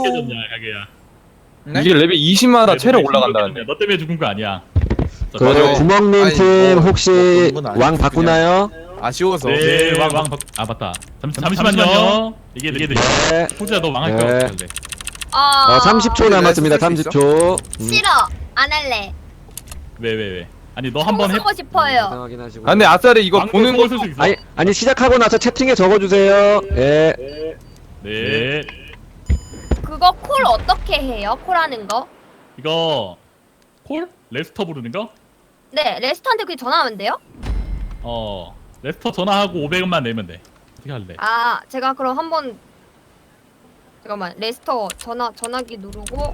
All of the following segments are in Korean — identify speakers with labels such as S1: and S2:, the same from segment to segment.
S1: 줬냐 가게야.
S2: 네?
S3: 이게 레벨 20마다 체력 올라간다는데.
S1: 너 때문에 죽은 거 아니야.
S4: 그 구멍님
S2: 아니,
S4: 팀
S2: 뭐,
S4: 혹시
S2: 그런 건 아니고
S4: 왕 바꾸나요?
S2: 아쉬워서.
S1: 네, 아 맞다. 잠시만요. 이게
S4: 네.
S1: 호주야 너 망할
S4: 네.
S1: 거야. 어떡할래?
S4: 30초 남았습니다.
S2: 쓸수 있어?
S4: 30초.
S5: 싫어. 안 할래.
S1: 왜? 아니 너
S5: 총
S1: 한번 해.
S5: 쓰고 싶어요.
S4: 확인하시고.
S3: 아 근데 아싸리 이거
S1: 왕
S3: 보는
S1: 거
S3: 거
S1: 쓸수 있어.
S4: 아니 시작하고 나서 채팅에 적어주세요. 예.
S1: 네.
S5: 그거 콜 어떻게 해요? 콜하는 거?
S1: 이거 콜? 레스터 부르는 거?
S5: 네, 레스토한테 그게 전화하면 돼요?
S1: 레스터 전화하고 500원만 내면 돼. 어떻게 할래?
S5: 아, 제가 그럼 한번 잠깐만. 레스터 전화기 누르고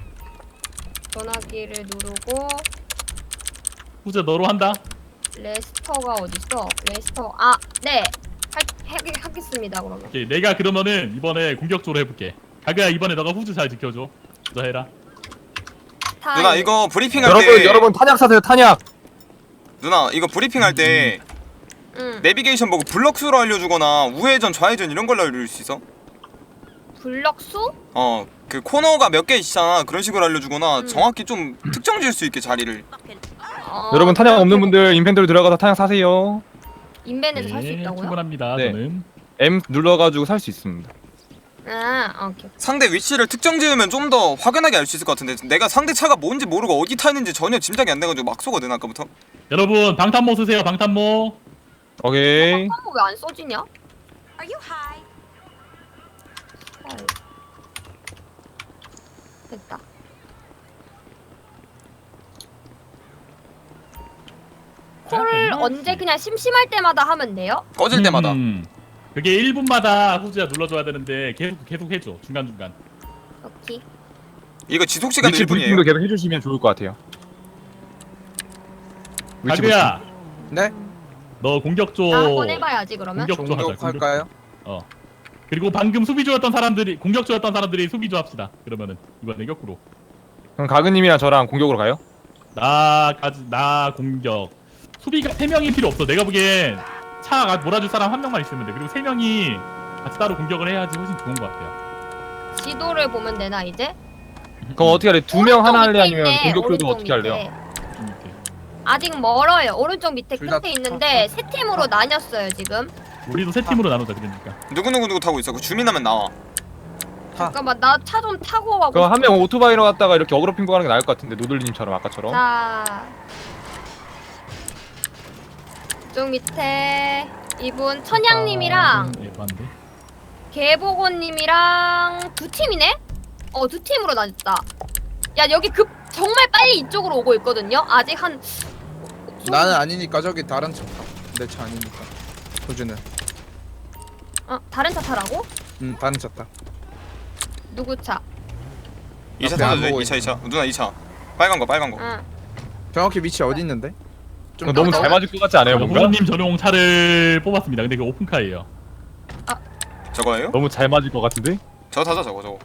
S5: 전화기를 누르고
S1: 호주야 너로 한다.
S5: 레스터가 어딨어? 레스터 네. 하겠습니다. 그러면.
S1: 오케이, 내가 그러면은 이번에 공격적으로 해볼게. 가그야 이번에 너가 후주 잘 지켜줘. 너 해라.
S6: 누나 이거 브리핑할 때
S3: 여러분 탄약 사세요 탄약.
S6: 누나 이거 브리핑할 때 내비게이션 보고 블럭 수로 알려주거나 우회전 좌회전 이런 걸로 알려줄 수 있어?
S5: 블럭수?
S6: 그 코너가 몇 개 있잖아. 그런 식으로 알려주거나 정확히 좀 특정 지을 수 있게 자리를.
S3: 여러분 탄약 없는 분들 인벤토리 들어가서 탄약 사세요.
S5: 인벤에서 살 수 있다고요?
S1: 충분합니다.
S3: 네.
S1: 저는.
S3: M 눌러가지고 살 수 있습니다.
S5: 오케이.
S6: 상대 위치를 특정 지으면 좀 더 확연하게 알 수 있을 것 같은데 내가 상대 차가 뭔지 모르고 어디 타 있는지 전혀 짐작이 안 돼가지고 막 쏘거든 아까부터.
S1: 여러분 방탄모 쓰세요. 방탄모.
S3: 오케이.
S5: 한번 왜안 써지냐? 됐다. 콜 언제 그냥 심심할 때마다 하면 돼요?
S6: 꺼질 때마다.
S1: 그게 1분마다 후주야 눌러줘야 되는데 계속 해줘. 중간중간.
S5: 오케이.
S6: 이거 지속 시간
S3: 위치
S6: 1분이에요.
S3: 브리핑도 계속 해주시면 좋을 것 같아요. 위치
S1: 가그야
S2: 네?
S1: 너 공격조
S5: 한번 해봐야지 그러면.
S1: 공격조 하자.
S2: 공격할까요?
S1: 그리고 방금 수비조였던 사람들이 공격조였던 사람들이 수비조 합시다. 그러면은 이번에 거꾸로.
S3: 그럼 가그님이랑 저랑 공격으로 가요?
S1: 나 공격. 수비가 3명이 필요 없어. 내가 보기엔 차 몰아줄 사람 1명만 있으면 돼. 그리고 3명이 같이 따로 공격을 해야지 훨씬 좋은 것 같아요.
S5: 지도를 보면 되나 이제?
S3: 그럼 어떻게 할래? 2명 하나 할래
S5: 오른쪽 밑에
S3: 아니면
S5: 있네,
S3: 공격조도
S5: 오른쪽
S3: 어떻게 할래요?
S5: 밑에.
S1: 오케이.
S5: 아직 멀어요. 오른쪽 밑에
S2: 둘 다
S5: 끝에 있는데 세 팀으로 나뉘었어요 지금.
S1: 우리도 3팀으로 나누자 그러니까.
S6: 누구 타고 있어. 그 주민하면 나와.
S5: 잠깐만 나 차 좀 타고 가고.
S3: 그럼 한 명 오토바이로 갔다가 이렇게 어그로 핑거 가는 게 나을 것 같은데 노들님처럼 아까처럼.
S5: 자, 이쪽 밑에 이분 천양님이랑
S1: 예, 맞는데.
S5: 개보고님이랑 두 팀이네? 두 팀으로 나뉘었다. 야 여기 정말 빨리 이쪽으로 오고 있거든요. 아직 한
S2: 나는 아니니까 저기 다른 차 타. 내 차 아니니까. 호주는.
S5: 다른 차 타라고?
S2: 다른 차 타.
S5: 누구 차?
S6: 2차
S2: 앞에 안
S6: 타도 돼.
S2: 보고
S6: 2차. 누나 2차. 빨간 거.
S5: 응.
S2: 정확히 위치 어디 있는데? 좀
S3: 너무 잘 맞을 것 같지 않아요 뭔가?
S1: 후주님 전용 차를 뽑았습니다. 근데 그 오픈카예요.
S6: 저거예요?
S3: 너무 잘 맞을 것 같은데?
S6: 저거 타자 저거.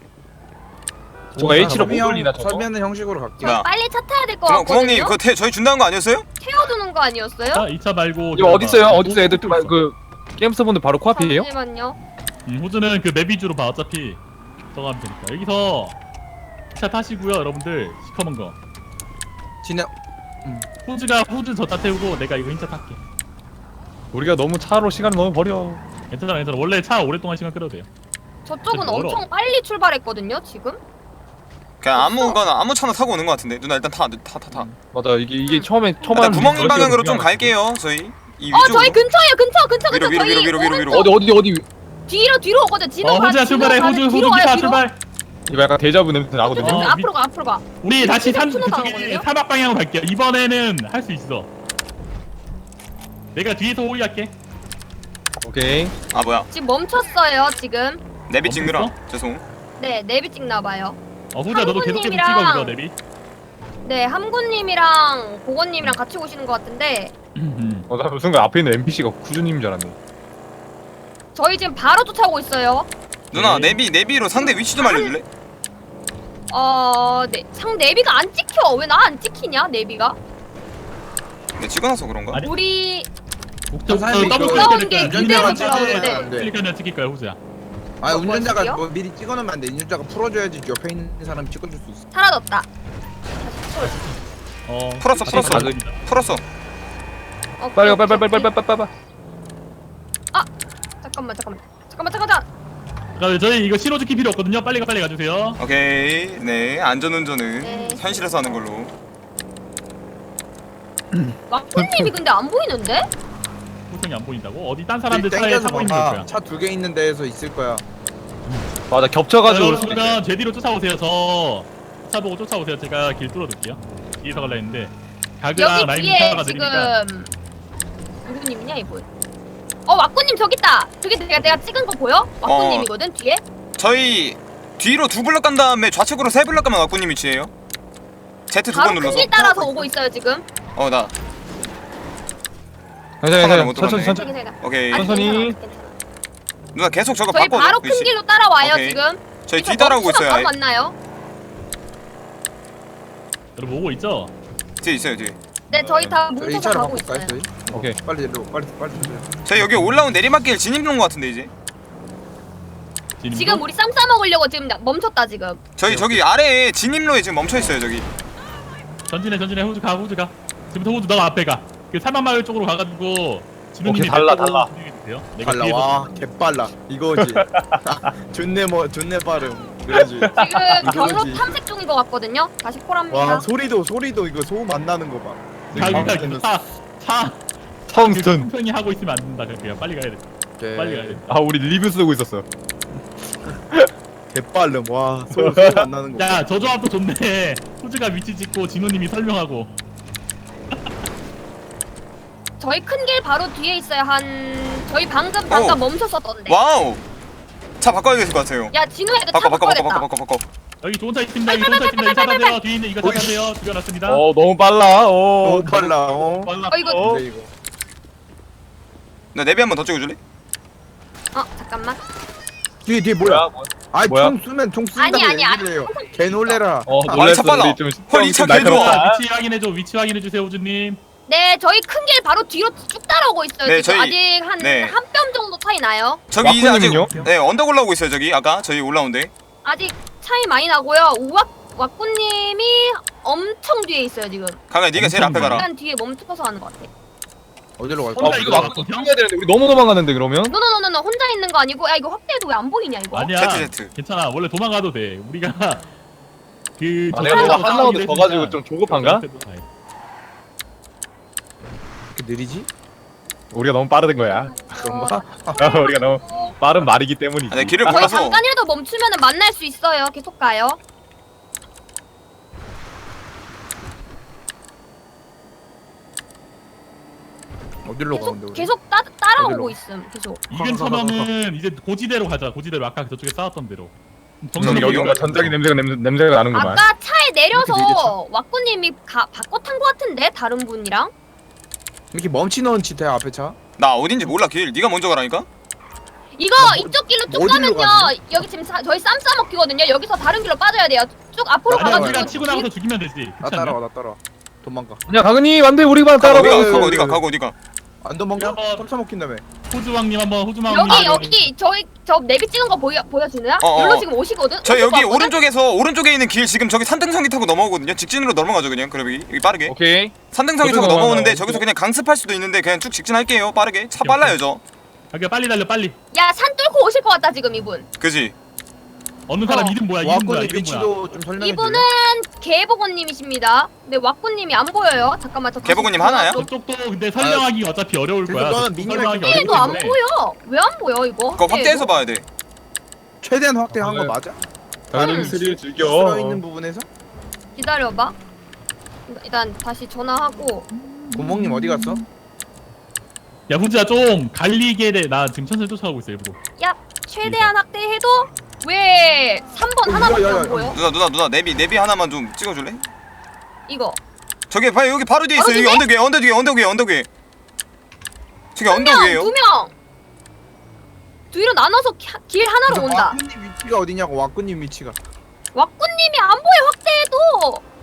S3: 저거 H로 못 돌리나 저거?
S2: 설명하는 형식으로 갈게.
S6: 야.
S5: 빨리 차 타야 될 것
S6: 구멍님
S5: 같거든요.
S6: 그거 저희 준다는 거 아니었어요?
S5: 태워두는 거 아니었어요?
S1: 자, 2차 말고
S3: 이거 어디 있어요? 어디 있어? 애들 그 게임스터분들 바로 코앞이에요?
S5: 잠시만요.
S1: 호주는 그 맵 위주로 봐. 어차피 저거 하면 되니까. 여기서 차 타시고요, 여러분들. 시커먼 거.
S2: 진행.
S1: 호주가 후주 저차 태우고 내가 이거 흰차 탈게.
S3: 우리가 너무 차로 시간을 너무 버려.
S1: 괜찮아. 원래 차 오랫동안 시간 끌어도 돼요.
S5: 저쪽은
S1: 멀어.
S5: 엄청 빨리 출발했거든요 지금.
S6: 그냥 아무 차나 타고 오는 거 같은데. 누나 일단 타.
S3: 맞아 이게 처음에
S6: 일단 구멍님 방향으로 좀 갈게요. 저희 이
S5: 저희 근처에요. 근처.
S6: 위로,
S5: 저희
S6: 위로.
S5: 오른쪽.
S3: 어디
S5: 뒤로 오거든.
S1: 호주야 출발해. 호주 기차 출발.
S3: 이거 약간 데자부 냄새 나거든요.
S1: 어,
S5: 앞으로 가.
S1: 우리 다시
S5: 근데
S1: 그쪽에
S5: 나오거든요?
S1: 사막 방향으로 갈게요. 이번에는 할 수 있어. 내가 뒤에서 호위할게.
S3: 오케이.
S6: 아 뭐야?
S5: 지금 멈췄어요 지금.
S6: 내비 찍느라.
S1: 멈췄어?
S6: 죄송.
S5: 네 내비 찍나봐요.
S1: 호주야 너도 계속 찍어 그거 내비.
S5: 네 함구님이랑 고건님이랑 같이 오시는 것 같은데
S3: 나 순간 앞에 있는 NPC가 구주님인 줄 알았네.
S5: 저희 지금 바로 쫓아오고 있어요.
S6: 누나
S1: 네.
S6: 내비로 상대 위치 좀 알려줄래?
S5: 네. 내비가 안 찍혀. 왜 나 안 찍히냐 내비가?
S6: 내 찍어놔서 그런가?
S1: 아니,
S5: 우리
S1: 목적
S2: 사장님,
S1: 더블
S2: 그거
S5: 올라온
S1: 클릭
S5: 게
S1: 될까요?
S5: 그대로
S2: 운전자가
S5: 들어오는데.
S2: 찍어야 돼.
S1: 클릭하면 찍힐 거야 호주야.
S2: 아 운전자가
S5: 어디요?
S2: 뭐 미리 찍어놓으면 안 돼. 운전자가 풀어줘야지 옆에 있는 사람이 찍어줄 수 있어.
S5: 사라졌다.
S6: 풀었어. 풀었어.
S3: 빨리 가 빨리.
S5: 잠깐만.
S1: 그러니까 저희 이거 신호지키 필요 없거든요. 빨리 가주세요.
S6: 오케이. 네, 안전운전은
S5: 네.
S6: 현실에서 하는 걸로.
S5: 왁구님이 근데 안 보이는데?
S1: 호성이 안 보인다고? 어디 딴 사람들 차에 타고 있는 거야.
S2: 차 2개 있는 데에서 있을 거야.
S3: 맞아 겹쳐가지고 올 수도 있네.
S1: 그러면 제 뒤로 쫓아오세요. 저 차 보고 쫓아오세요. 제가 길 뚫어둘게요. 뒤에서 갈라 했는데 가그랑
S5: 여기
S1: 라임
S5: 뒤에
S1: 차가 느리니까.
S5: 지금 누구님이냐 이분? 왁구님 저기 있다. 저기 내가 찍은 거 보여? 왁구님이거든 뒤에.
S6: 저희 뒤로 2블럭 간 다음에 좌측으로 3블럭 가면 왁구님 위치예요. Z 2번
S5: 바로
S6: 눌러서.
S5: 큰길 따라서 오고 있어요 지금.
S6: 나.
S3: 괜찮아
S6: 못
S3: 천천히
S6: 들어갔네.
S3: 천천히.
S6: 오케이.
S5: 아니,
S3: 천천히.
S5: 괜찮아.
S6: 누나 계속 저거
S5: 저희
S6: 바꿔.
S5: 바로 큰 길로 따라와요
S6: 오케이.
S5: 지금.
S6: 저희 뒤 따라오고 있어요.
S5: 바로
S6: 아예.
S5: 만나요.
S1: 여러분 오고 있죠?
S6: 뒤에 있어요, 뒤에.
S5: 네 저희 다
S2: 저희
S5: 뭉쳐서
S2: 차로
S5: 가고
S2: 바꿀까요?
S5: 있어요.
S2: 저희?
S3: 오케이.
S2: 빨리 내려. 빨리 주세요.
S6: 저희 여기 올라온 내리막길 진입로인 것 같은데 이제.
S5: 지금 우리 쌈 싸먹으려고 지금 멈췄다 지금.
S6: 저기 아래에 진입로에 지금 멈춰 있어요, 저기.
S1: 전진해 호주 가. 지금부터 호주 너 앞에 가. 그 살만마을 쪽으로 가가지고 진우님이
S3: 오케이, 달라.
S1: 내가
S2: 빨라.
S1: 뒤에서
S2: 와 개빨라. 이거지. 존내 빠름. 그러지.
S5: 지금 경로
S2: 이거지.
S5: 탐색 중인 것 같거든요. 다시 콜합니다.
S2: 와 소리도 이거 소음 안 나는 거 봐.
S1: 차
S3: 처음 스턴.
S1: 편히 하고 있으면 안 된다. 그냥 빨리 가야 돼. 빨리 가야 돼.
S3: 아 우리 리뷰 쓰고 있었어.
S2: 개빨름. 와 소음 안 나는 거.
S1: 야, 저 조합도 좋네. 호주가 위치 찍고 진우님이 설명하고.
S5: 저희 큰 길 바로 뒤에 있어요. 저희 방금 잠깐 멈췄었던데.
S6: 와우. 차 바꿔야 될 것 같아요.
S5: 야 진우야 이거 차 바꿔야 됐다.
S6: 바꿔.
S1: 여기 좋은 차 있습니다. 이 차 타세요. 뒤에 있는 이거 차 타세요. 죽여놨습니다.
S3: 너무 빨라.
S2: 너무 빨라.
S1: 빨라.
S5: 이거
S2: 근데 이거.
S6: 나 내비 한 번 더 찍어줄래?
S5: 잠깐만.
S2: 뒤에 뭐야? 아이
S3: 뭐야?
S2: 총 쏜다고
S5: 아니.
S2: 얘기를 해요. 개 놀래라.
S6: 아, 차 빨라. 헐, 이차 개 좋아.
S1: 위치 확인해줘. 위치 확인해주세요, 호주님.
S5: 네 저희 큰 길 바로 뒤로 쭉 따라오고 있어요.
S6: 네,
S5: 지금
S6: 저희-
S5: 아직 한
S6: 네.
S5: 한 뼘 정도 차이 나요.
S6: 저기 이제 아직
S3: 왁구님은요?
S6: 네 언덕 올라오고 있어요. 저기 아까 저희 올라온데.
S5: 아직 차이 많이 나고요. 왁구님이 엄청 뒤에 있어요 지금.
S6: 강아 네가 제일 앞에 가라.
S5: 약간 뒤에 멈춰서 하는 것 같아.
S2: 어디로 갈까?
S1: 혼자
S3: 이거
S1: 이거
S3: 막고 해야 되는데 우리 너무 도망가는데 그러면?
S5: 노노노노 혼자 있는 거 아니고 야 이거 확대해도 왜 안 보이냐 이거.
S1: 아니야.
S6: Z.
S1: 괜찮아. 원래 도망가도 돼. 우리가 그
S3: 내가 너가 한 라운드 더 가지고 좀 조급한가?
S2: 이렇게 느리지?
S3: 우리가 너무 빠르던 거야.
S2: 그런가?
S3: 우리가 너무 빠른 말이기 때문이지.
S6: 네, 길을
S5: 저희
S6: 몰라서.
S5: 잠깐이라도 멈추면은 만날 수 있어요. 계속 가요.
S2: 어디로 가는데 우리?
S5: 계속 따라오고
S2: 어디로?
S5: 있음. 계속.
S1: 이근 처럼은 이제 고지대로 가자. 고지대로 아까 저쪽에 싸웠던 대로.
S3: 정신 여기가 전자기 냄새가 나는구만.
S5: 아까 차에
S2: 이렇게
S5: 내려서 왁구님이 바꿔 탄 거 같은데 다른 분이랑.
S2: 이렇게 멈추는 짓해 앞에 차?
S6: 나 어딘지 몰라 길. 네가 먼저 가라니까.
S5: 이거 이쪽 길로 쭉
S2: 어디로
S5: 가면요.
S2: 가는데?
S5: 여기 지금 저희 쌈 싸먹기거든요. 여기서 다른 길로 빠져야 돼요. 쭉 앞으로
S1: 아니야,
S5: 가가지고.
S1: 우리가 치고 나가서 죽이면 되지.
S2: 나
S1: 그렇지 않냐?
S2: 따라와. 도망가.
S3: 야 강은이 안돼 우리만
S6: 가고
S3: 따라가.
S6: 어디가.
S2: 안 도망가?
S1: 한번-
S2: 깜짝 먹힌다며.
S1: 호주왕님 한번 호주왕님.
S5: 여기 저 내비 찍은 거 보여주나요?
S6: 어.
S5: 여기로 지금 오시거든.
S6: 저
S5: 오실
S6: 여기
S5: 것 같거든?
S6: 오른쪽에 있는 길 지금 저기 산등성이 타고 넘어오거든요. 직진으로 넘어가죠 그냥. 그럼 여기 빠르게.
S3: 오케이.
S6: 산등성이 타고
S3: 저쪽으로
S6: 넘어오는데
S3: 넘어가요.
S6: 저기서 그냥 강습할 수도 있는데 그냥 쭉 직진할게요. 빠르게. 차 빨라요 저.
S1: 자기가 빨리 달려 빨리.
S5: 야 산 뚫고 오실 것 같다 지금 이분.
S6: 그지?
S1: 어느 사람 이름 뭐야? 이름 뭐야?
S2: 와꾸님
S1: 이름 뭐야?
S2: 위치도 좀 설명해
S5: 이분은
S2: 줄래?
S5: 개보고님이십니다. 근데 왁구님이 안 보여요. 잠깐만 저 다시
S6: 개보고님 하나야?
S5: 들어가서.
S1: 저쪽도 근데 설명하기 어차피 어려울 거야.
S2: 그래서 너는
S1: 설명하기
S2: 미니맵
S5: 얘도 안
S1: 때문에.
S5: 보여. 왜 안 보여 이거?
S6: 그거 확대해서 봐야 돼.
S2: 최대한 확대한 거
S3: 네.
S2: 맞아?
S3: 강은이 스릴 즐겨.
S2: 써 있는 부분에서?
S5: 기다려봐. 일단 다시 전화하고.
S2: 구멍님 어디 갔어?
S1: 야 후지야 좀 갈리게 돼. 나 지금 천천히 쫓아가고 있어 일부러.
S5: 야 최대한 확대해도 왜 3번 하나밖에
S2: 야, 야,
S5: 안 보여?
S6: 누나 내비 하나만 좀 찍어줄래?
S5: 이거.
S6: 저기 봐요 여기 바로 뒤에 있어.
S5: 바로
S6: 여기
S5: 뒤에?
S6: 언덕 위에. 저기 언덕
S5: 명,
S6: 위에요.
S5: 2명. 뒤로 나눠서 길 하나로 온다.
S2: 와꾸님 위치가 어디냐고 와꾸님 위치가.
S5: 왁구님이 안 보여 확대해도.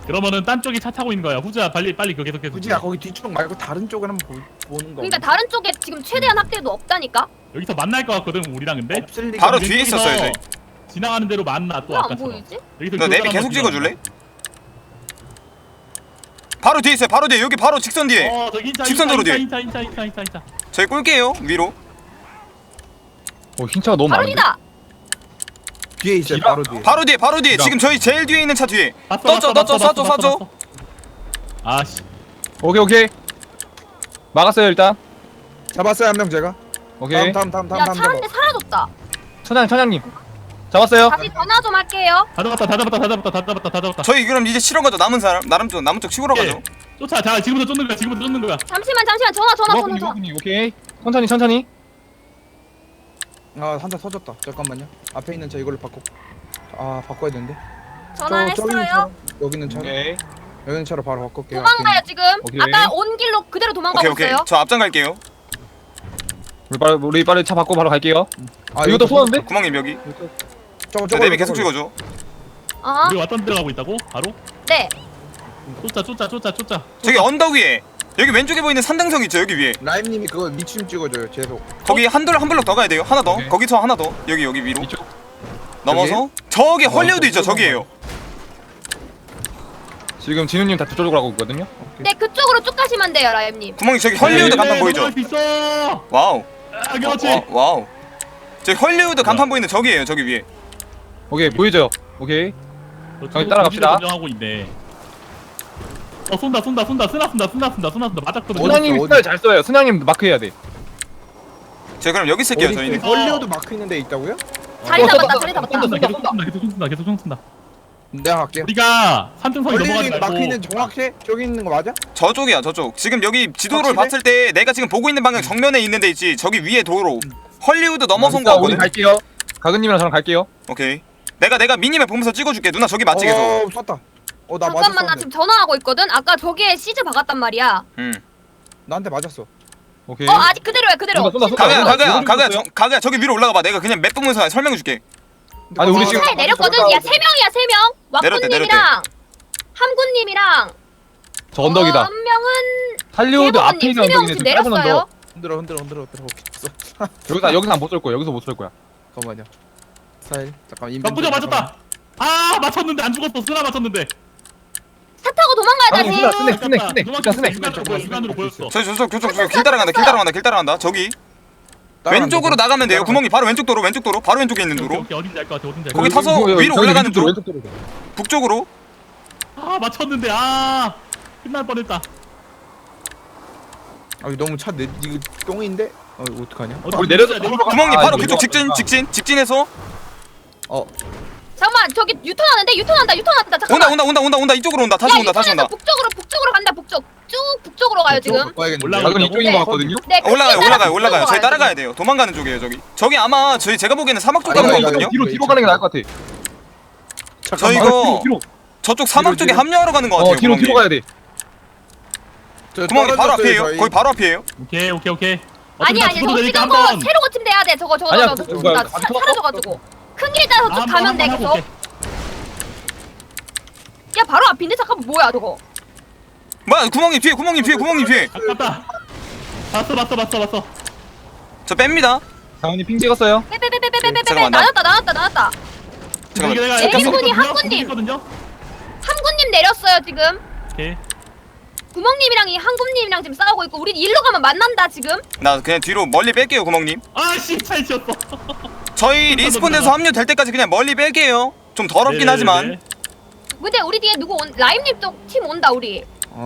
S1: 그러면은 딴 쪽에 차 타고 있는 거야. 후자 빨리 그거 계속해서.
S2: 굳이야 거기 뒤쪽 말고 다른 쪽을 한번 보는 거.
S5: 그러니까 다른 쪽에 지금 최대한 확대도 없다니까.
S1: 여기서 만날 것 같거든 우리랑 근데.
S2: 없을 리가.
S6: 바로
S2: 없-
S6: 뒤에 있었어요 저희.
S1: 지나가는 대로 만나 또
S5: 왜 안
S1: 아까처럼.
S5: 보이지?
S1: 여기서
S6: 너
S1: 교전
S6: 내비
S1: 한번
S6: 계속
S1: 지나가.
S6: 찍어줄래? 바로 뒤에 있어요. 바로 뒤에 여기 바로 직선 뒤에.
S1: 저기 인차
S6: 직선도로 뒤에.
S1: 인차.
S6: 저희 꿀게요 위로.
S3: 흰차가 너무
S5: 바로
S3: 많은데.
S5: 뒤다.
S2: 뒤에 있어요. 바로 뒤에.
S6: 바로 뒤에 지금 저희 제일 뒤에 있는 차 뒤에. 떴죠. 쏴줘.
S1: 아씨.
S3: 오케이. 막았어요 일단.
S2: 잡았어요 한 명 제가.
S3: 오케이.
S2: 다음.
S5: 야 차 한 대 사라졌다.
S3: 천장님. 잡았어요.
S5: 다시 전화 좀 할게요.
S1: 다 잡았다.
S6: 저희 그럼 이제 실어 가죠. 남은 사람 남은 쪽 치고러 가죠.
S1: 쫓아. 자 지금부터 쫓는 거야.
S5: 잠시만 전화.
S3: 오케이. 천천히.
S2: 아 한대 터졌다. 잠깐만요. 앞에 있는 차 이걸로 바꿔야 되는데.
S5: 전화했어요.
S2: 여기 있는 차.
S3: 오케이.
S2: 여기 있는 차로 바로 바꿀게요.
S5: 도망가요 지금.
S3: 오케이.
S5: 아까 온 길로 그대로 도망가고
S6: 오케이.
S5: 있어요.
S6: 저 앞장 갈게요.
S3: 우리 빨리 차 바꿔 바로 갈게요.
S2: 아
S3: 이것도 쏘는데?
S6: 구멍님 여기.
S2: 저거
S6: 저 내비 계속 찍어줘.
S5: 어?
S1: 우리 왔던 데 가고 있다고? 바로?
S5: 네.
S1: 쫓아.
S6: 저기 언덕 위에 여기 왼쪽에 보이는 산등성 있죠 여기 위에.
S2: 라임님이 그거 미침 찍어줘요. 계속.
S6: 거기 한 블럭 더 가야 돼요. 하나 더.
S3: 오케이.
S6: 거기서 하나 더. 여기 위로.
S3: 이쪽.
S6: 넘어서 저기 헐리우드 있죠 저기에요.
S3: 지금 진우님 다 저쪽으로 가고 있거든요.
S5: 네 그쪽으로 쭉 가시면 돼요 라임님.
S6: 구멍이 저기 헐리우드
S1: 네,
S6: 간판 보이죠?
S1: 넘어갈 수 있어.
S6: 와우.
S1: 아, 그렇지.
S6: 와우. 저기 헐리우드 간판 보이는 저기에요 저기 위에.
S3: 오케이 보이죠? 오케이.
S1: 저기
S3: 따라갑시다.
S1: 하고 있네. 쏜다. 쓰나 맞았거든.
S3: 순양님 스타일 잘 써요. 순양님 마크 해야 돼.
S6: 저희 그럼 여기 있을게요 저희는.
S2: 헐리우드 마크 있는 데 있다고요?
S5: 자리 잡았다.
S1: 계속 쏜다.
S2: 내가 갈게요.
S1: 우리가 산등성이 넘어가지
S2: 헐리우드
S1: 말고.
S2: 마크 있는 정확해? 저기 있는 거 맞아?
S6: 저쪽이야 저쪽. 지금 여기 지도를
S2: 확실해?
S6: 봤을 때 내가 지금 보고 있는 방향 정면에 있는 데 있지. 저기 위에 도로. 헐리우드 넘어선 거
S3: 우리
S6: 같거든.
S3: 갈게요. 가근님이랑 저랑 갈게요.
S6: 오케이. 내가 미니맵 보면서 찍어줄게. 누나 저기 맞지 계속.
S2: 쐈다. 나
S5: 잠깐만 나
S2: 맞았어.
S5: 지금 전화하고 있거든. 아까 저기에 시즈 박았단 말이야.
S2: 나한테 맞았어.
S3: 오케이.
S5: 아직 그대로야 그대로.
S3: 쏜다.
S6: 가그야 저기 위로 올라가 봐. 내가 그냥 맵 보면서 설명해 줄게.
S3: 아니, 우리 지금
S5: 차에 내렸거든. 야 3명이야 3명.
S6: 내렸대.
S5: 왁구님이랑 함구님이랑
S3: 저 언덕이다.
S5: 한 명은
S3: 할리우드 앞에
S5: 대부분님
S3: 있는
S5: 3명
S3: 언덕이네.
S5: 지금
S3: 좀 짧은
S5: 내렸어요.
S3: 언덕.
S2: 흔들어.
S3: 여기서 못 쏠 거야. 여기서 못 쏠 거야.
S2: 잠깐만요. 사일. 잠깐
S1: 나쁘죠 맞았다. 맞췄는데 안 죽었어. 쓰나 맞췄는데.
S5: 차 타고 도망가야
S3: 아니,
S5: 다시.
S3: 스낵.
S1: 육안으로 보였어.
S6: 저쪽 길 따라간다. 저기 왼쪽으로 나가면 돼요. 구멍이 바로 왼쪽 도로 바로 왼쪽에 있는 도로.
S1: 어딘지 알 것 같아. 어딘지 알 것
S6: 거기
S1: 같아.
S6: 타서 위로 올라가는 쪽.
S3: 왼쪽 도로.
S6: 북쪽으로.
S1: 맞췄는데 끝날 뻔했다.
S2: 너무 차 이거 똥인데? 어떡하냐?
S3: 우리 내려서
S6: 구멍이 바로
S3: 이거
S6: 그쪽 직진해서
S5: 잠깐만 저기 유턴한다. 잠깐만.
S6: 온다. 이쪽으로 온다. 다시 온다.
S5: 북쪽으로 간다. 북쪽. 쭉 북쪽으로 가요 지금.
S3: 가근 이쪽인 거 같거든요.
S5: 네.
S6: 올라가요. 저희 따라가야 돼요. 도망가는 쪽이에요, 저기 아마 제가 보기에는 사막 쪽 가는
S2: 아니,
S6: 거거든요.
S3: 뒤로 가는 게 나을 것 같아.
S6: 저 이거
S3: 뒤로.
S6: 저쪽 사막 쪽에
S2: 뒤로.
S6: 합류하러 가는 거 같아요.
S3: 뒤로 가야 돼.
S6: 구멍이 바로 앞이에요. 거기 바로 앞이에요.
S1: 오케이.
S5: 아니 저 찍은 거 새로 고침돼야 돼. 저거
S3: 아니야,
S5: 나
S3: 뭐야,
S5: 사라져가지고 큰 길 따서 쭉 가면 돼 계속. 야 바로 앞인데 잠깐만 뭐야 저거.
S6: 뭐야 구멍이 뒤에.
S1: 아깝다. 봤어.
S6: 저 뺍니다.
S3: 강훈이 핑 찍었어요.
S5: 빼빼빼빼빼빼빼
S6: 잠깐만, 나-
S5: 나눴다.
S6: 잠깐만.
S5: 제리군이 한군님 내렸어요 지금.
S1: 오케이.
S5: 구멍님이랑 이 한군님이랑 지금 싸우고 있고 우리 일로 가면 만난다 지금.
S6: 나 그냥 뒤로 멀리 뺄게요, 구멍님.
S1: 잘 치웠어.
S6: 저희 리스폰돼서 합류될 때까지 그냥 멀리 뺄게요. 좀 더럽긴 하지만.
S5: 근데 우리 뒤에 누구 라임님 쪽 팀 온다 우리.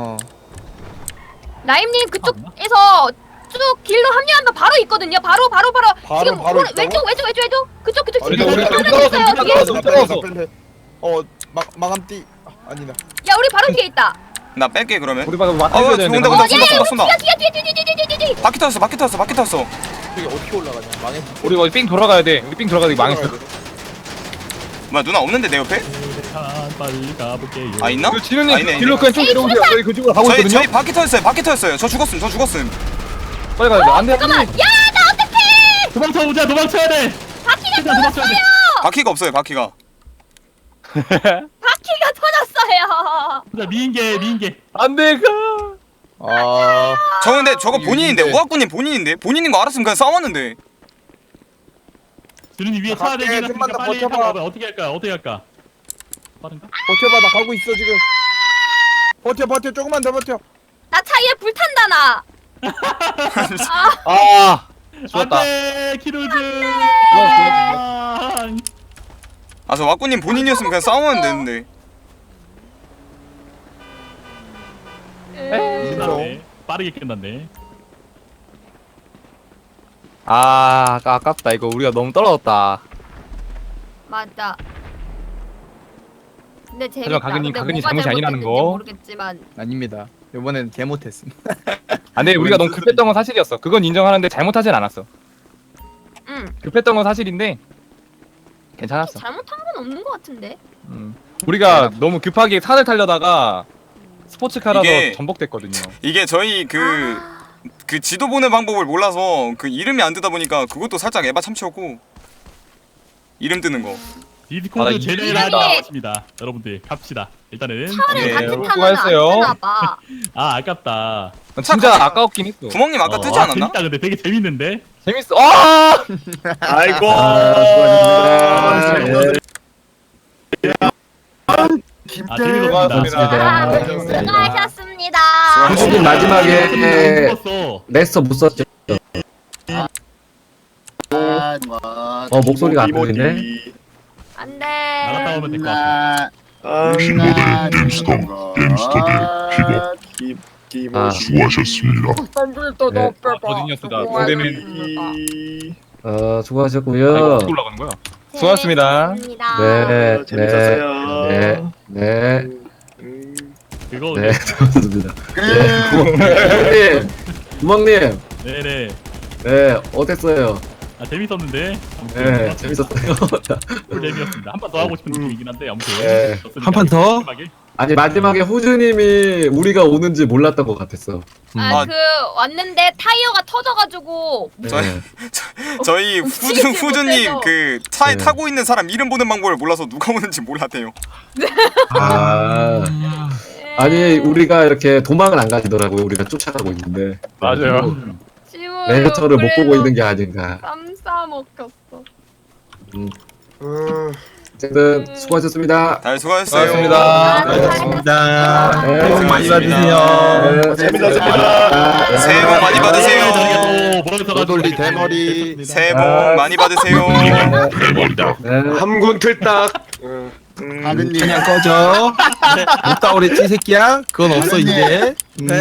S5: 라임님 그쪽에서 쭉 길로 합류하면 바로 있거든요. 바로 지금
S2: 바로
S5: 왼쪽 그쪽
S3: 우리
S5: 지금
S3: 우리
S5: 하나
S3: 떨어졌어,
S5: 있어요 뒤에.
S2: 마감띠 아니다.
S5: 야 우리 바로 뒤에 있다.
S6: 나 뺄게 그러면.
S3: 우리 방금 맞춰야 되는데.
S6: 온다. 쏜다.
S5: 뒤에.
S6: 바퀴 터졌어.
S2: 저기 어떻게 올라가냐? 망했어.
S3: 우리 거기 삥 돌아가야 돼. 우리 삥 돌아가야 돼. 망했어.
S6: 뭐야 누나 없는데 내 옆에?
S1: 빨리 가볼게요.
S6: 아 있나?
S3: 그 진우님
S6: 있네.
S3: 뒤로 그냥 쭉 내려오세요. 저희 그쪽으로 가고 있거든요.
S6: 저희 바퀴 터졌어요. 저 죽었음.
S3: 빨리 가야 돼. 안 돼.
S5: 잠깐만. 야 나 어떡해.
S1: 도망쳐야 돼.
S5: 바퀴가
S1: 도망쳐야 돼.
S5: 터졌어요.
S6: 바퀴가 없어요. 바퀴가.
S5: 바퀴가 터졌어요. 싫어요.
S1: 자 미인계.
S3: 안돼 가.
S2: 아
S6: 저 근데 저거 본인인데
S2: 이게-
S6: 우아꾸님 본인인데 본인인 거 알았으면 그냥 싸웠는데.
S1: 주린이 위에 차
S2: 갈게,
S1: 대기
S2: 좀만
S1: 있으니까
S2: 더
S1: 빨리
S2: 버텨봐.
S1: 타고 와봐. 어떻게 할까? 빠른가?
S2: 버텨봐 나 가고 있어 지금. 버텨 조금만 더 버텨.
S5: 나 차에 불 탄다 나.
S3: 아 죽었다.
S1: 안돼 키루즈.
S6: 아 저 와꾸님 본인이었으면 그냥 싸우면 되는데.
S1: 끝났네. 빠르게 끝났네.
S3: 아깝다. 이거 우리가 너무 떨어졌다.
S5: 맞아. 근데 재밌다.
S3: 하지만 가근이
S5: 근데
S3: 가근이
S5: 뭐가
S3: 잘못이 아니라는
S5: 잘못됐는지
S3: 거.
S5: 모르겠지만.
S2: 아닙니다. 이번엔 개 못했음.
S3: 안돼 우리가 너무 급했던 건 사실이었어. 그건 인정하는데 잘못하진 않았어.
S5: 응.
S3: 급했던 건 사실인데 괜찮았어.
S5: 잘못한 건 없는 것 같은데.
S3: 우리가 너무 급하게 산을 타려다가 스포츠카라서
S6: 이게-
S3: 전복됐거든요.
S6: 이게 저희 그 지도 보는 방법을 몰라서 그 이름이 안 뜨다 보니까 그것도 살짝 에바 참치였고. 이름 뜨는 거.
S1: 디스코드
S3: 이-
S1: 제네랄이
S5: 이름이-
S1: 나왔습니다. 여러분들 갑시다. 일단은
S5: 차를
S6: 예,
S5: 같이 타면 안
S3: 수고하셨어요.
S5: 되나 봐.
S1: 아깝다.
S3: 진짜
S6: 같이-
S3: 아까웠긴 했어.
S6: 구멍님 아까 뜨지 않았나?
S1: 재밌다 근데 되게 재밌는데.
S3: 재밌어. 아!
S7: 아이고.
S1: 재밌었습니다.
S5: 수고하셨습니다.
S4: 후주님 마지막에
S1: 죽었어.
S4: 레스터 못 썼죠? 목소리가 안 들리네.
S5: 안돼.
S1: 나갔다 오면 될 것 같아.
S4: 아,
S7: 수고하셨습니다.
S4: 네.
S3: 버지니어스다. 동대면
S4: 수고하셨고요.
S3: 어떻게 올라가는 거야? 수고하셨습니다.
S4: 네,
S7: 재밌었어요.
S4: 네,
S1: 그거
S4: 네, 수고하셨습니다. 구멍님,
S1: 네네.
S4: 네, 어땠어요?
S1: 아 재밌었는데.
S4: 네, 재밌었어요.
S1: 풀 랩이었습니다. 한 번 더 하고 싶은 느낌이긴 한데 아무튼.
S4: 네.
S1: 좋습니다.
S3: 한판 더?
S1: 마지막에.
S4: 아니 마지막에 후주님이 우리가 오는지 몰랐던 것 같았어.
S6: 아.
S5: 그 왔는데 타이어가 터져가지고
S4: 네.
S6: 저희
S5: 움직이지
S6: 후주님
S5: 못해서.
S6: 그 차에
S4: 네.
S6: 타고 있는 사람 이름 보는 방법을 몰라서 누가 오는지 몰랐대요.
S4: 아, 아니 우리가 이렇게 도망을 안 가지더라고요. 우리가 쫓아가고 있는데.
S3: 맞아요.
S4: 레터를 못 보고 있는 게 아닌가.
S5: 쌈싸 먹혔어.
S4: 어쨌든 수고하셨습니다.
S6: 다들 수고하셨어요.
S3: 수고하셨습니다.
S4: 네,
S3: 새해 복 많이 받으세요.
S4: 네,
S7: 재밌었습니다.
S6: 새해 복 많이 받으세요.
S2: 노돌리 대머리.
S6: 새해 복 많이 받으세요.
S4: 네.
S7: 함군 틀딱.
S8: 아근님
S9: 그냥 꺼져. 없다 그랬지 새끼야? 그건 없어 이제.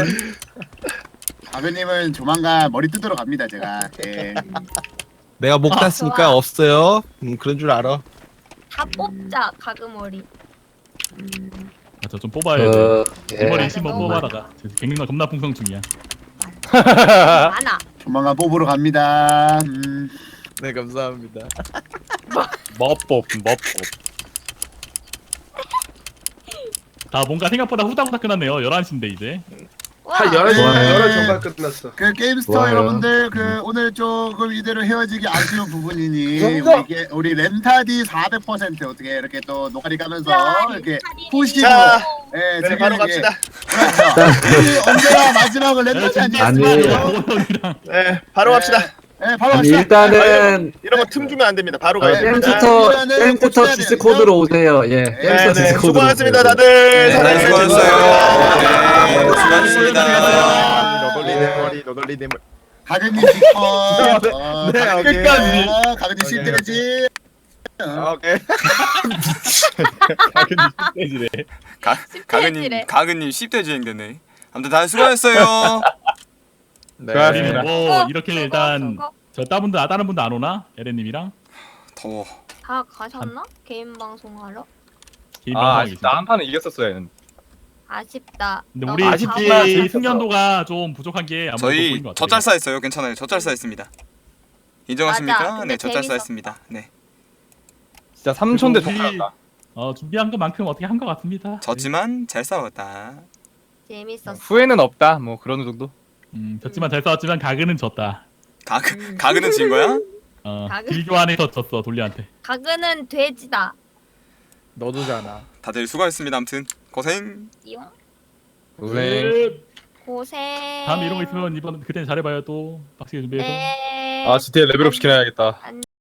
S8: 아근님은 조만간 머리 뜯으러 갑니다 제가. 예.
S9: 내가 목 땄으니까 없어요. 그런 줄 알아.
S5: 다 뽑자 가그머리.
S1: 저 좀 뽑아야 돼.
S4: 예.
S1: 머리 20번 뽑아다가 갱년가 겁나 풍성 중이야.
S5: 많아.
S8: 조만간 뽑으러 갑니다.
S2: 네 감사합니다.
S3: 머법.
S1: 다 뭔가 생각보다 후다후다 끝났네요. 11시인데 이제.
S5: 와.
S7: 한 11시
S4: 좋아요.
S7: 정말 끝났어.
S8: 그 게임스터
S4: 좋아요.
S8: 여러분들 그 오늘 조금 이대로 헤어지기 아쉬운 부분이니 우리 렌타디 400% 어떻게 이렇게 또 노가리 가면서 이렇게 푸시고
S7: 자,
S8: 예,
S7: 네, 바로
S8: 즐기는 게-
S7: 갑시다.
S8: 그렇죠. 우리 언제나 마지막을 렌타디
S4: 아니.
S8: 아니겠습니까?
S7: 네, 바로 갑시다.
S8: 예, 바로
S4: 아니
S8: 갑시다.
S4: 일단은
S7: 이런 거 틈 주면 안 됩니다. 바로 가야 됩니다.
S4: 땡투터 디스코드로 오세요. 예.
S7: 네,
S4: 땡투터
S7: 네,
S4: 디스코드로
S7: 수고하셨습니다,
S4: 오세요.
S7: 다들.
S6: 다들 수고하셨어요. 네, 수고하셨습니다.
S7: 너덜리 대머리.
S8: 가든님 기뻐.
S7: 네,
S8: 가든님
S7: 끝까지.
S8: 기뻐. 가든님 실드지.
S7: 오케이.
S6: 가근님 10대 주행되네. 아무튼 다들 수고하셨어요.
S3: 수고하셨습니다.
S1: 뭐 이렇게 일단
S5: 저거.
S1: 저 다른 분도 안 오나? 에렌님이랑
S6: 더워.
S5: 다 가셨나? 개인 방송하러?
S1: 개인
S3: 아
S1: 방송하고
S3: 아쉽다.
S1: 계신데.
S3: 한 판은 이겼었어야 했는데.
S5: 아쉽다.
S1: 근데
S5: 너무
S1: 우리
S3: 아쉽지만
S1: 이
S3: 재밌었어.
S1: 숙련도가 좀 부족한 게 아무래도
S6: 저희
S1: 보인 것 같아요.
S6: 젖잘싸했어요. 괜찮아요. 젖잘싸했습니다. 인정하십니까?
S5: 맞아. 근데
S6: 네, 젖잘싸했습니다. 네.
S3: 진짜 3초인데
S1: 그리고
S3: 독하다.
S1: 준비한 것만큼 어떻게 한 것 같습니다.
S6: 졌지만 잘 싸웠다.
S5: 재밌었어.
S3: 후회는 없다. 뭐 그런 정도.
S1: 졌지만 잘 싸웠지만 가그는 졌다.
S6: 가근은 진 거야?
S5: 가그?
S1: 길교환에서 졌어 돌리한테.
S5: 가그는 돼지다.
S2: 너도잖아.
S6: 다들 수고하셨습니다. 아무튼 고생.
S5: 띠용.
S3: 고생.
S5: 고생.
S1: 다음에 이런 거 있으면 이번 그때는 잘해봐요 또 빡세게 준비해서.
S5: 네.
S3: 아 GTA 레벨업 시켜놔야겠다.